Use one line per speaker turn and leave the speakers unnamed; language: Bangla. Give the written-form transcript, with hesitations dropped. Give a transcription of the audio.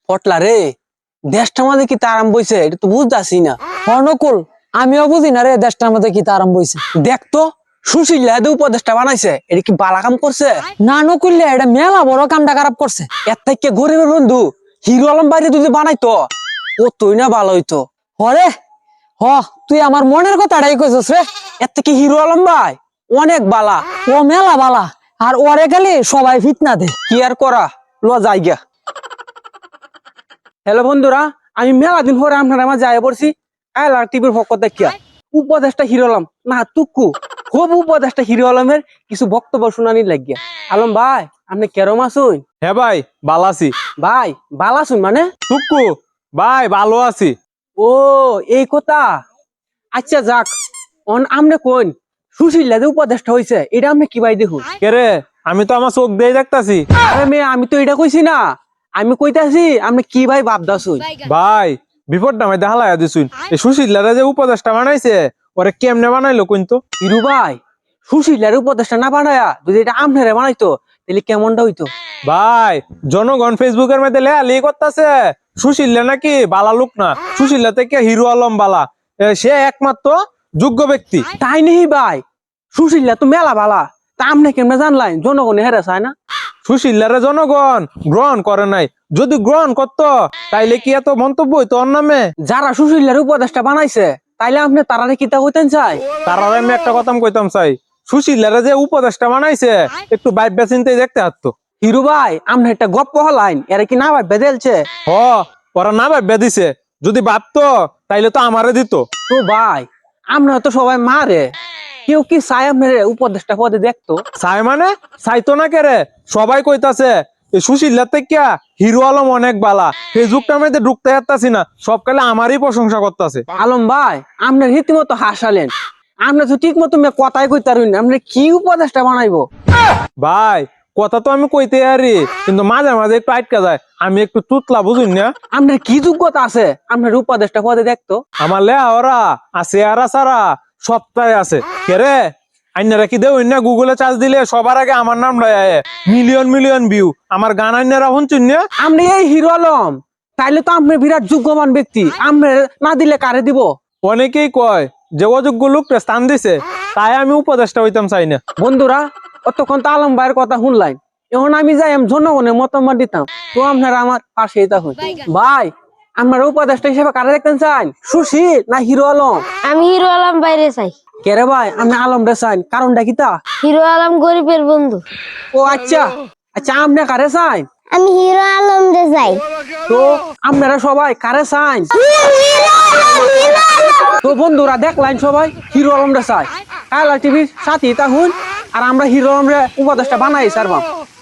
পটলা রে, দেশটা মাঝে কি তারাম বইছে এটা তো বুঝতেছি না।
অনুকূল আমিও বুঝি না রে দেশটার মধ্যে কি আরম্ভ হয়েছে।
দেখতো সুশীল উপদেশটা বানাইছে, এটা কি বালা কাম করছে?
না নকুললে এটা মেলা বড় কামটা খারাপ করছে।
এর থেকে গরিবের বন্ধু হিরো আলম বাইরে যদি বানাইতো ও তুই না ভালো হইতো।
হরে হ, তুই আমার মনের কথাটাই কইছস রে।
এর থেকে হিরো আলম ভাই অনেক বালা,
ও মেলা বালা, আর ওরে গেলে সবাই ফিতনা দে।
কি আর করা, ল জায়গা। হ্যালো বন্ধুরা, আমি মেলা দিন পরে আপনার আমার যাই পড়ছি এলার টিভির পক্ষ দেখিয়া উপদেশটা হিরো আলম না তুকু খুব উপদেশটা হিরো আলমের কিছু বক্তব্য শুনানি লাগিয়া। আলম ভাই আপনি কেরম আসুন?
হ্যাঁ ভাই ভালো আছি।
ভাই বালা শুন মানে
টুকু ভাই ভালো আছি।
ও এই কথা, আচ্ছা যাক আমনে কোন সুশীল উপদেশটা হয়েছে এটা আপনি কি ভাই দেখুন।
কে রে, আমি তো আমার চোখ দিয়ে দেখতাছি।
আরে মেয়ে আমি তো এটা কইছি না, আমি কইতাছি আপনি কি ভাই ভাবদাছুন।
ভাই বিপদটা আমি দেখালাইয়া দিছুন। এই সুশীলারা যে উপদেশটা বানাইছে ওরে কেমনে বানাইলো কিন্তু?
হিরু ভাই সুশীলের উপদেশটা না বানায়া যদি এটা আপনারে বানাইতো তাহলে কেমনটা হইতো?
ভাই জনগণ ফেসবুকের মধ্যে লেয়ালি করতেছে সুশীলা নাকি বালা লোক না, সুশীলা থেকে হিরো আলম বালা, সে একমাত্র যোগ্য ব্যক্তি।
তাই নেই ভাই, সুশীলা তো মেলা বালা, তা আপনি কেমনে জানলেন জনগণে হেরে চায় না?
সুশীলারে জনগণ গ্রহণ করে নাই, যদি গ্রহণ করতো তাইলে কি এত মন্তব্য হইতো ওর নামে?
যারা সুশীলের উপদেশটা বানাইছে তাইলে আপনি তারারে কিতা হইতেন চাই?
তার আমি একটা কথা কইতাম চাই, সুশীলারে যে উপদেশটা বানাইছে একটু ভাববে চিন্তাই দেখতে হাঁটতো।
হিরু ভাই আপনি একটা গপ্প হলাইন এরা কি না ভাই বেদেলছে?
হ, ওরা না ভাববে দিছে, যদি ভাবতো তাইলে তো আমারে দিত।
তো ভাই আমরা তো সবাই মারে, কেউ কি চাই আপনার উপদেশটা পদে দেখতো?
চাই মানে চাইতো না কে রে, সবাই কইতাছে এই সুশীলার থেকে হিরো আলম অনেক বালা, ফেসবুকটার মধ্যে ঢুকতে যাচ্তাছি না, সব কালে আমারই প্রশংসা করতেছে।
আলম ভাই আপনার রীতিমতো হাসালেন, আপনি তো ঠিক মতো কথাই কইতে পারেন, আপনি কি উপদেশটা বানাইবো?
ভাই কথা তো আমি কইতে আরি, কিন্তু মাঝে মাঝে একটু আটকা যায়, আমি একটু তুতলা বুঝুন না।
আপনার কি যোগ্যতা আছে আপনার উপদেশটা পদে দেখতো?
আমার লে ওরা আছে আর সারা সপ্তাহে আছে। কে রে আইনারা কি দেউ না, গুগলে চার্জ দিলে সবার আগে আমার নাম লয়, মিলিয়ন মিলিয়ন ভিউ আমার গান আইনারা শুনছুন না।
আপনি এই হিরো আলম, তাইলে তো আপনি বিরাট যোগ্যবান ব্যক্তি, আপনি না দিলে কারে দিব?
অনেকেই কয় যে অযোগ্য লোকটা স্থান দিছে, তাই আমি উপদেশটা হইতাম চাই না।
বন্ধুরা অতক্ষণ তো আলম ভাইয়ের কথা শুনলাই, এখন আমি যাই আমি জনগণের মতামত দিতাম, তো আপনারা আমার পাশে থাকুন। ভাই আমার উপদেশটা হিসেবে কারে দেখতেন চান, সুশীল না হিরো আলম?
আমি হিরো আলম বাইরে চাই।
কে রে ভাই আপনি আলম রে চান, কারণটা কি তা?
হিরো আলম গরিবের বন্ধু।
ও আচ্ছা আচ্ছা, আপনি কারে চান?
আমি হিরো আলম রে চাই।
তো আপনারা সবাই কারে চান? তো বন্ধুরা দেখলেন সবাই হিরো আলম রে চাই, কালা টিভির সাথে থাকুন, আর আমরা হিরো আলম রে উপদেশটা বানাই সারবাম।